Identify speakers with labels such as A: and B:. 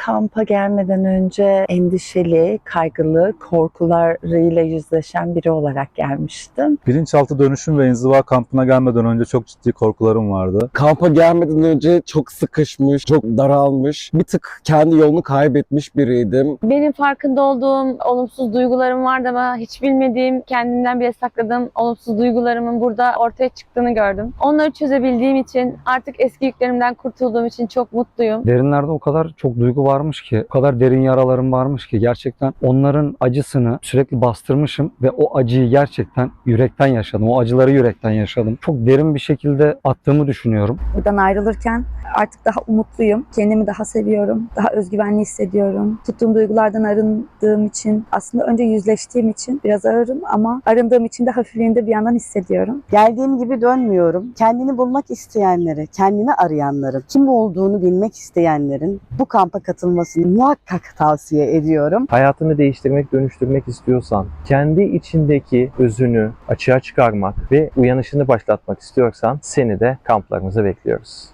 A: kampa gelmeden önce endişeli, kaygılı, korkularıyla yüzleşen biri olarak gelmiştim.
B: Bilinçaltı dönüşüm ve inziva kampına gelmeden önce çok ciddi korkularım vardı.
C: Kampa gelmeden önce çok sıkışmış, çok daralmış, bir tık kendi yolunu kaybetmiş biriydim.
D: Benim farkında olduğum olumsuz duygularım vardı ama hiç bilmediğim, kendimden bile sakladığım olumsuz duygularımın burada ortaya çıktığını gördüm. Onları çözebildiğim için, artık eski yüklerimden kurtulduğum için çok mutluyum.
E: Derinlerde o kadar çok duygu varmış ki, o kadar derin yaralarım varmış ki gerçekten onların acısını sürekli bastırmışım ve o acıyı gerçekten yürekten yaşadım. O acıları yürekten yaşadım. Çok derin bir şekilde attığımı düşünüyorum.
F: Buradan ayrılırken artık daha umutluyum. Kendimi daha seviyorum. Daha özgüvenli hissediyorum. Tuttuğum duygulardan arındığım için, aslında önce yüzleştiğim için biraz ağırım ama arındığım için de hafifliğini de bir yandan hissediyorum.
G: Geldiğim gibi dönmüyorum. Kendini bulmak isteyenlere, kendini arayanların, kim olduğunu bilmek isteyenlerin bu kampa katılmasını muhakkak tavsiye ediyorum.
H: Hayatını değiştirmek, dönüştürmek istiyorsan, kendi içindeki özünü açığa çıkarmak ve uyanışını başlatmak istiyorsan seni de kamplarımıza bekliyoruz.